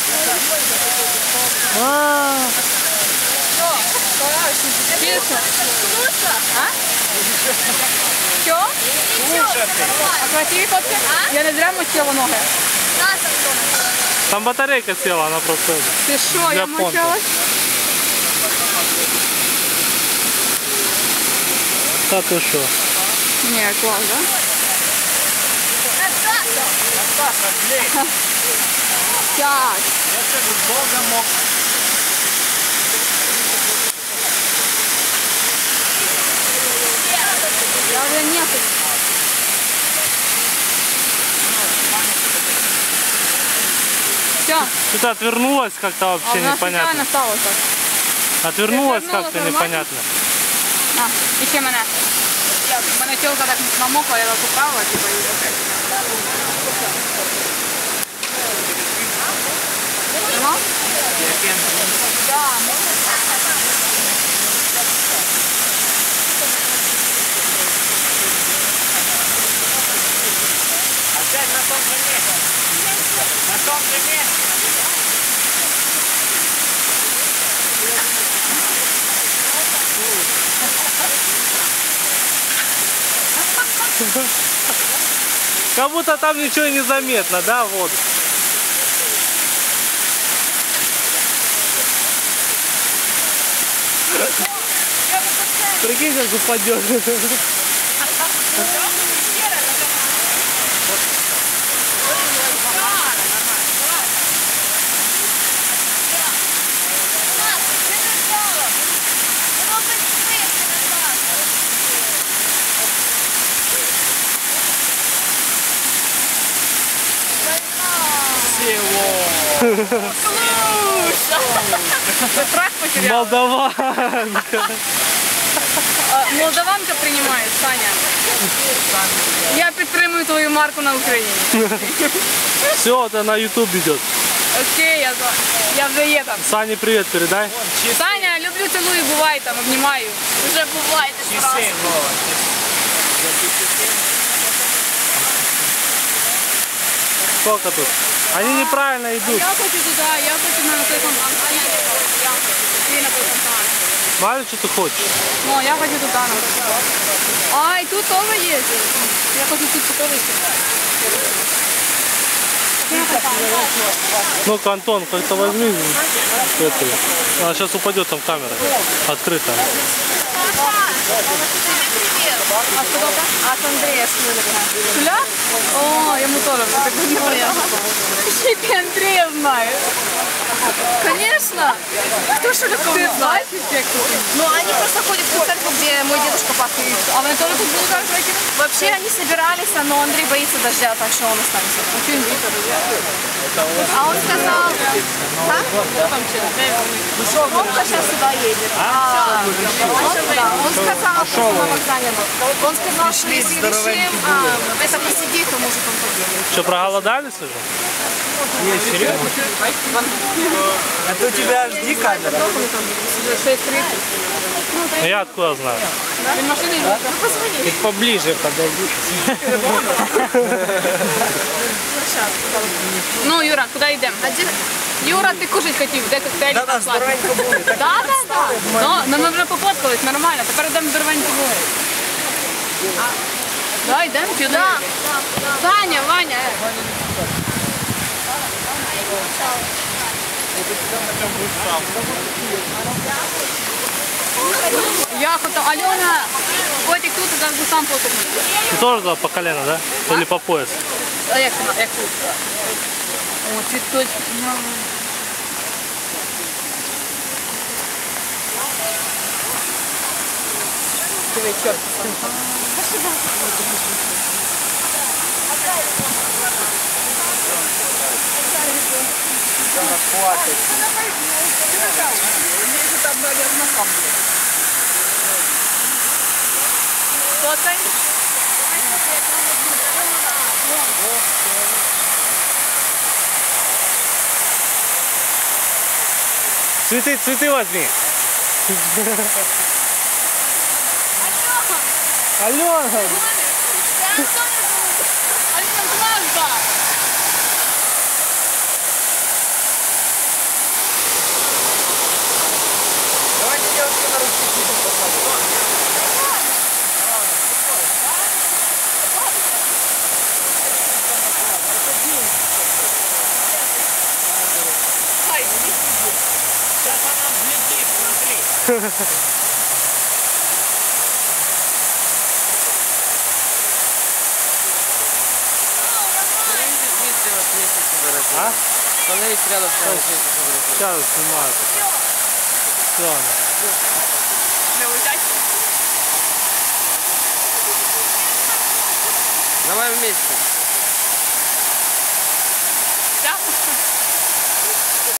Що? А красиві фотки? Я не зря мочила ноги. Там батарейка села, она просто... Ти що, я мочилась? Да ты что? Ні, клас, да? Так. Я уже нету. Все. Что-то отвернулась как-то вообще непонятно. Стало так. Отвернулась как-то непонятно. А, іще мене. Мене тілка так намокла, я так упала, типа, і опять. Ну? Да, Опять на том же месте. На том же месте. Как будто там ничего не заметно, да, вот. Прикинь, как упадет. Молдаванка. Молдаванка приймає, Саня. Я підтримую твою марку на Україні. Все, это на YouTube идет. Окей, я вже є там. Сане привет передай. Саня, люблю, цілую, бувай там, обнімаю. Уже бувайте сразу. Сколько тут? Они неправильно идут. Я хочу туда, я хочу на той фонтан. Ты на той фонтан. Мало что ты хочешь? Ну, я хочу туда. А, и тут тоже есть. Я хочу тут тоже снимать. Ну-ка, Антон, как-то возьми эту. Она сейчас упадет, там камера открыта. А что это? От Андрея Шуля. О, ему тоже так неприятно. Ты Андрея знаешь? Конечно. Кто Шуляков знает? Ну, они просто ходят в ту церковь, где мой дедушка пастор. А вы тоже тут были как трекеры? Вообще они собирались, но Андрей боится дождя, так что он останется. Очень боится дождя. А он сказал... А? Он сейчас сюда едет. Он сказал, что на вокзале. Он сказал, что если решим это посидеть, то может он поедет. Что, проголодались уже? Есть, серьезно? Это у тебя HD камера? 6:30. Я откуда знаю? Ты машины не можешь? Ты поближе подойди. Ну, Юра, куда идем? Юра, ты кушать хотів, де коктейль? Да, здоровенько буде. Да. Ну, ми вже пофоткались, нормально, тепер йдемо здоровенько буде. Да, йдемо, підемо. Саня, Ваня. Я хотел, Алена, котик тут, и как бы сам потухнуть. Ты тоже туда по колено, да? Или по пояс? А як тут? О, цвіточки. Диви, чорт. Там, наверное, сам будет. Фоткай. Цветы возьми. Алена! А? Становись рядом с нами. Сейчас снимаю. Все. Давай вместе.